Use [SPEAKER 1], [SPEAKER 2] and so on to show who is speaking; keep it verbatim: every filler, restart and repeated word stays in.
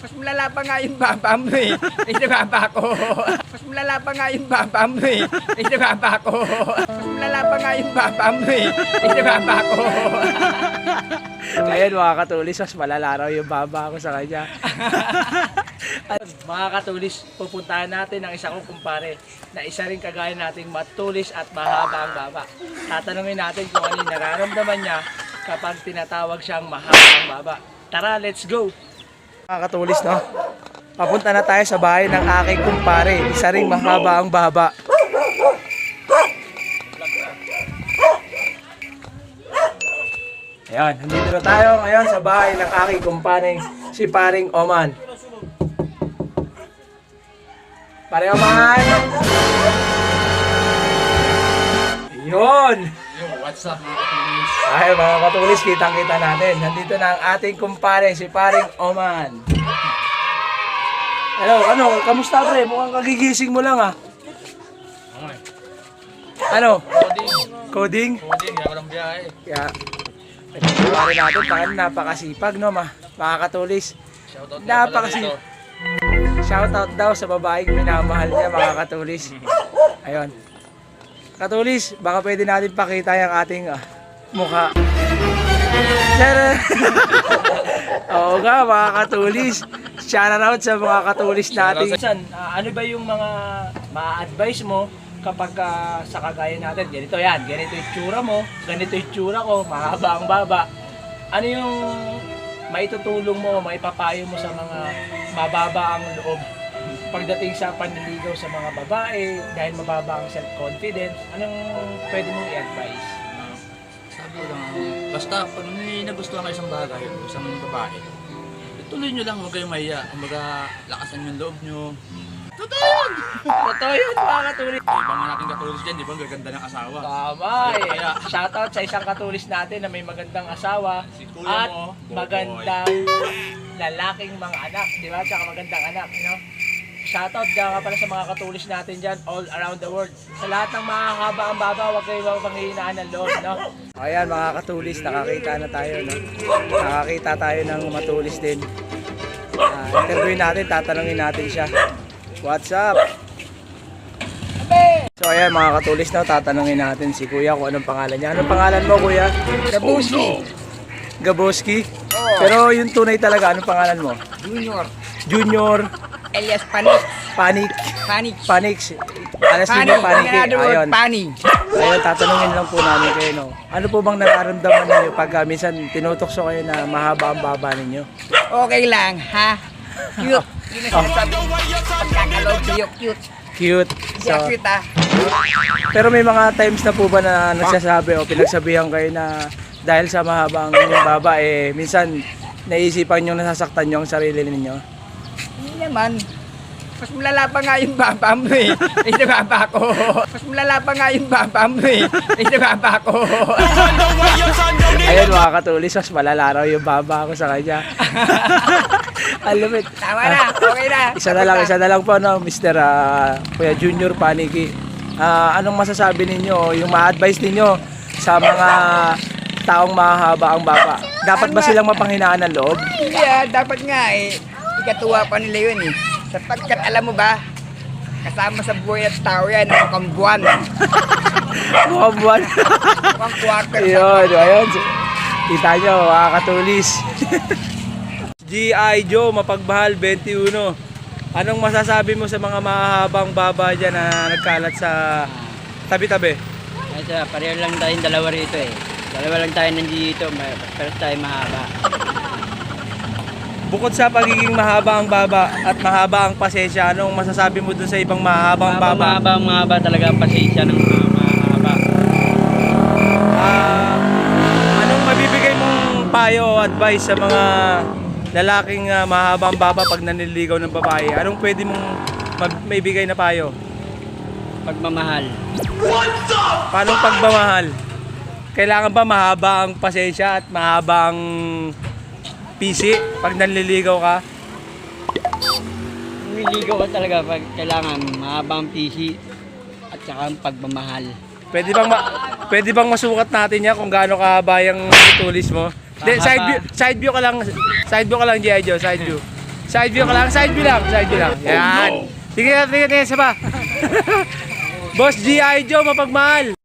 [SPEAKER 1] Mas malala pa nga yung baba mo eh. Hindi baba ko. Mas malala pa nga yung baba mo eh. Hindi baba ko. Mas malala pa nga yung baba mo eh. Hindi baba ko.
[SPEAKER 2] Ayun mga katulis, mas malala raw yung baba ko sa kanya. Mga katulis, pupuntahan natin ang isa kong kumpare na isa rin kagaya nating matulis at mahaba ang baba. Tatanungin natin kung ano yung nararamdaman niya kapag tinatawag siyang mahaba ang baba. Tara, let's go! Mga katulis, no? Papunta na tayo sa bahay ng aking kumpare. Isa ring mahaba ang baba. Ayan, nandito na tayo ngayon sa bahay ng aking kumparing si Paring Oman. Paring Oman! Yun!
[SPEAKER 3] What's up mga katulis?
[SPEAKER 2] Ay mga katulis, kitang-kita natin. Nandito na ang ating kumpare si Paring Oman. Hello, ano? Kamusta pre? Mukhang kagigising mo lang ah.
[SPEAKER 3] Okay.
[SPEAKER 2] Ano?
[SPEAKER 3] Coding.
[SPEAKER 2] Coding?
[SPEAKER 3] Coding, kaya walang biyahe.
[SPEAKER 2] Kaya, kumpare natin, tangan napakasipag no ma. Mga katulis.
[SPEAKER 3] Shoutout nga pala
[SPEAKER 2] Napakasi.
[SPEAKER 3] dito.
[SPEAKER 2] Shoutout daw sa babaeng minamahal niya mga katulis. Ayun. Katulis, baka pwede natin pakita yung ating ah, mukha. Tara! Oo nga mga katulis. Shout out sa mga katulis natin. San, ah, ano ba yung mga ma-advise mo kapag ah, sa kagaya natin? Ganito yan, ganito yung tsura mo, ganito yung tsura ko, mahaba ang baba. Ano yung maitutulong mo, maipapayo mo sa mga mababa ang loob pagdating sa panliligaw sa mga babae dahil mababa ang self-confidence? Anong pwede mong i-advise?
[SPEAKER 3] Sabi ko lang, basta pag may nagustuhan kayo isang bagay, isang babae, ituloy nyo lang, huwag kayong mahiya. Kumbaga, lakasan yung loob nyo. Totoo yun!
[SPEAKER 2] Totoo yun mga katulis.
[SPEAKER 3] Ibang nga natin katulis dyan, di ba? Ang gaganda ng asawa.
[SPEAKER 2] Tama eh.
[SPEAKER 3] Kaya,
[SPEAKER 2] Shoutout sa isang katulis natin na may magandang asawa
[SPEAKER 3] si kuya
[SPEAKER 2] at
[SPEAKER 3] mo, boboy.
[SPEAKER 2] magandang lalaking mga anak, di ba? Tsaka magandang anak, no? Shoutout dyan nga pala sa mga katulis natin dyan all around the world. Sa lahat ng mahahaba ang baba, huwag kayo panghihinaan ng loob, no? Ayan mga katulis, nakakita na tayo, no? Nakakita tayo ng matulis din. Uh, interviewin natin, tatanungin natin siya. What's up? So ayan mga katulis, no? Tatanungin natin si kuya kung anong pangalan niya. Anong pangalan mo kuya?
[SPEAKER 1] Gabuski.
[SPEAKER 2] Gaboski?
[SPEAKER 1] Oo.
[SPEAKER 2] Pero yung tunay talaga, anong pangalan mo?
[SPEAKER 1] Junior.
[SPEAKER 2] Junior
[SPEAKER 1] Elias Panik.
[SPEAKER 2] Panic.
[SPEAKER 1] Panik.
[SPEAKER 2] Panix. Alas
[SPEAKER 1] Panik.
[SPEAKER 2] Junior Panic.
[SPEAKER 1] In other word,
[SPEAKER 2] Ayun.
[SPEAKER 1] panik.
[SPEAKER 2] Ayun, tatanungin lang po namin kayo, no? Ano po bang nararamdaman ninyo pag uh, minsan tinutokso kayo na mahaba ang baba ninyo?
[SPEAKER 1] Okay lang, ha? Cute. Yun ang sinasabi. Pagkakalog sa'yo, cute.
[SPEAKER 2] Cute.
[SPEAKER 1] Kaya
[SPEAKER 2] So,
[SPEAKER 1] cute ah.
[SPEAKER 2] pero may mga times na po ba na nagsasabi o pinagsabihan kayo na dahil sa mahaba ang inyong baba, eh, minsan naisipan nyo nasasaktan nyo ang sarili ninyo?
[SPEAKER 1] Hindi naman. Mas malala pa nga yung baba mo eh. Hindi baba ko. Mas malala pa nga yung baba mo eh. Hindi baba ko.
[SPEAKER 2] Ayun mga katulis, mas malala raw yung baba ko sa kanya. Alam it.
[SPEAKER 1] Tama na. Okay na.
[SPEAKER 2] Isa na lang, isa na lang po, no, Mister ah, Kuya Junior Paniki. Ah, anong masasabi ninyo, yung ma-advise ninyo sa mga taong mahaba ang baba? Dapat ba silang mapanghinaan ng loob?
[SPEAKER 1] Hindi ah, dapat nga eh. Ikatuwa pa nila yun eh. Sapagkat alam mo ba, kasama sa buhay at tao yan, ang mukhang buwan.
[SPEAKER 2] Mukhang buwan.
[SPEAKER 1] Mukhang quarter.
[SPEAKER 2] Ayun, ayun. Kita nyo, mga katulis. G I. Joe, Mapagbahal, twenty-one. Anong masasabi mo sa mga mahahabang baba dyan na nagkalat sa tabi-tabi?
[SPEAKER 4] Ito, pareho lang tayong dalawa rito eh. Dalawa lang tayo nandito, pero tayo mahaba.
[SPEAKER 2] Bukod sa pagiging mahaba ang baba at mahaba ang pasensya, anong masasabi mo dun sa ibang mahabang baba?
[SPEAKER 4] Mahaba, mahaba talaga ang pasensya ng mga mahaba.
[SPEAKER 2] Ah, anong mabibigay mong payo o advice sa mga lalaking uh, mahabang baba pag naniligaw ng babae? Anong pwede mong mag- maibigay na payo?
[SPEAKER 4] Pagmamahal.
[SPEAKER 2] Paano pagmamahal? Kailangan ba mahaba ang pasensya at mahaba ang pisi pag nanliligaw ka?
[SPEAKER 4] Niligaw ka talaga pag kailangan mahabang P C at saka ang pagmamahal.
[SPEAKER 2] Pwede bang ma- pwede bang masukat natin yan kung gaano kahaba yung tulis mo? De, side view, side view ka lang, side view ka lang, G I. Joe, side view. Side view ka lang, side view lang, side view lang. Yan. Tingnan, tingnan, tingnan, isa pa. Boss G I. Joe, mapagmahal.